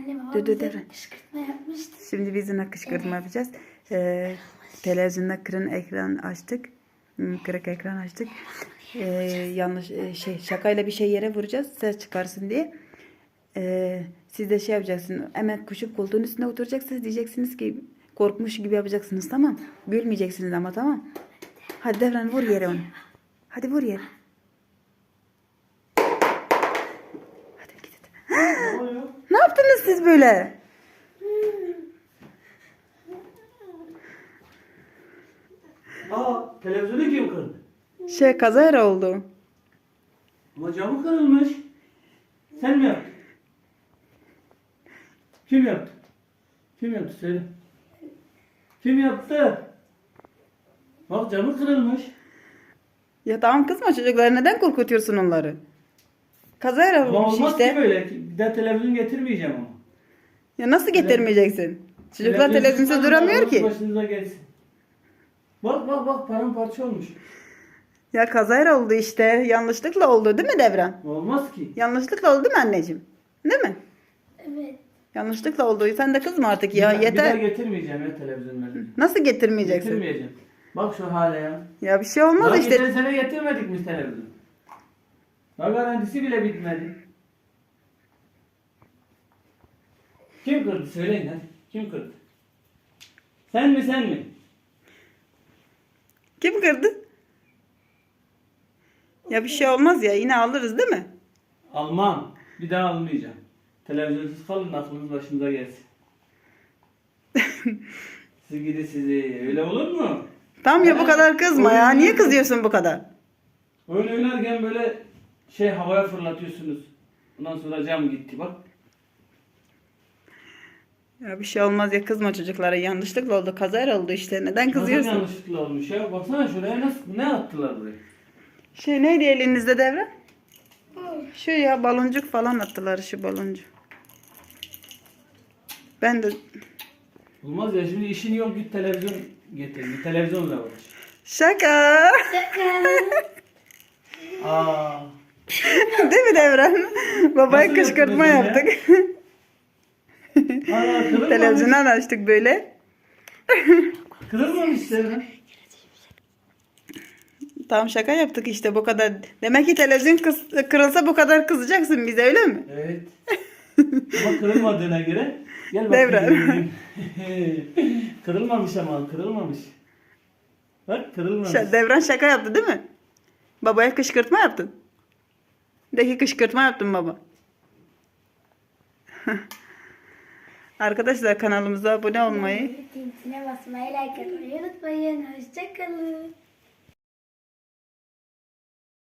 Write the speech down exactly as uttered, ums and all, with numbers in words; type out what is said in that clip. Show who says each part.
Speaker 1: Anne babam
Speaker 2: Dur, dur,
Speaker 1: bize
Speaker 2: dur.
Speaker 1: kışkırtma yapmıştı.
Speaker 2: Şimdi biz yine kışkırtma yapacağız. Ee, televizyonda kırın ekran açtık. Hmm, Kırık ekran açtık. Ee, yanlış e, şey şakayla bir şey yere vuracağız ses çıkarsın diye. Ee, siz de şey yapacaksınız. Hemen koşup koltuğun üstüne oturacaksınız. Diyeceksiniz ki korkmuş gibi yapacaksınız, tamam. Gülmeyeceksiniz ama, tamam. Hadi Devran vur yere onu. Hadi vur yere. Hadi git.
Speaker 3: Ne oluyor?
Speaker 2: Ne yaptınız siz böyle?
Speaker 3: Aa, televizyonu kim kırdı?
Speaker 2: Şey kazayla oldu.
Speaker 3: Ama camı kırılmış. Sen mi yaptın? Kim yaptı? Kim yaptı söyle. Kim yaptı? Bak camı kırılmış.
Speaker 2: Ya tamam kızma, çocuklar neden korkutuyorsun onları? Kazayla
Speaker 3: Ama
Speaker 2: olmuş
Speaker 3: olmaz
Speaker 2: işte.
Speaker 3: ki böyle. Bir daha televizyon getirmeyeceğim ama.
Speaker 2: Ya nasıl getirmeyeceksin? Çocuklar televizyonsuz
Speaker 3: çıkarın,
Speaker 2: duramıyor
Speaker 3: aklınız
Speaker 2: ki.
Speaker 3: Başınıza gelsin. Bak bak bak paramparça olmuş.
Speaker 2: Ya kazayla oldu işte. Yanlışlıkla oldu değil mi Devran?
Speaker 3: Olmaz ki.
Speaker 2: Yanlışlıkla oldu değil mi anneciğim? Değil mi?
Speaker 1: Evet.
Speaker 2: Yanlışlıkla oldu. Sen de kızma artık
Speaker 3: Bir
Speaker 2: ya.
Speaker 3: daha- Bir daha
Speaker 2: Yeter.
Speaker 3: getirmeyeceğim ya televizyonları.
Speaker 2: Nasıl getirmeyeceksin?
Speaker 3: Getirmeyeceğim. Bak şu hale ya.
Speaker 2: Ya bir şey olmaz
Speaker 3: Daha
Speaker 2: işte.
Speaker 3: geçen sene getirmedik mi televizyon? Daha garantisi bile bitmedi. Kim kırdı? Söyleyin hadi. Kim kırdı? Sen mi sen mi?
Speaker 2: Kim kırdı? Ya bir şey olmaz ya. Yine alırız değil mi?
Speaker 3: Almam. Bir daha almayacağım. Televizyonsuz kalın aklınız başınıza gelsin. Siz gidi sizi. Öyle olur mu?
Speaker 2: Tamam ya, bu
Speaker 3: Ben-
Speaker 2: kadar kızma ya. Niye kızıyorsun bu kadar?
Speaker 3: Oyun oynarken böyle şey havaya fırlatıyorsunuz. Ondan sonra cam gitti bak.
Speaker 2: Ya bir şey olmaz ya, kızma çocuklara. Yanlışlıkla oldu. Kazayla oldu işte. Neden
Speaker 3: Nasıl
Speaker 2: kızıyorsun?
Speaker 3: yanlışlıkla olmuş ya? Baksana şuraya nasıl ne attılar buraya?
Speaker 2: Şey neydi elinizde Devran? Şu ya baloncuk falan attılar, şu baloncuk. Ben de
Speaker 3: Olmaz ya, şimdi işin yok, git televizyon getir. Bir televizyonla uğraş.
Speaker 2: şaka.
Speaker 1: Şaka.
Speaker 3: Aa.
Speaker 2: Değil mi Devran? Babaya
Speaker 3: Nasıl
Speaker 2: kışkırtma
Speaker 3: yaptınız
Speaker 2: yaptık.
Speaker 3: Aa, kırılmamış.
Speaker 2: Televizyondan açtık böyle.
Speaker 3: Kırılmamış senin.
Speaker 2: Tam şaka yaptık işte, bu kadar. Demek ki televizyon kız- kırılsa bu kadar kızacaksın bize, öyle mi?
Speaker 3: Evet. Ama kırılmadığına göre gel
Speaker 2: Devran.
Speaker 3: bakayım. Kırılmamış ama kırılmamış. Bak kırılmamış.
Speaker 2: Ş- Devran şaka yaptı değil mi? Babaya kışkırtma yaptın. De ki kışkırtma yaptın baba. Arkadaşlar kanalımıza abone olmayı,
Speaker 1: Ziltine basmayı, like atmayı unutmayın. Hoşçakalın.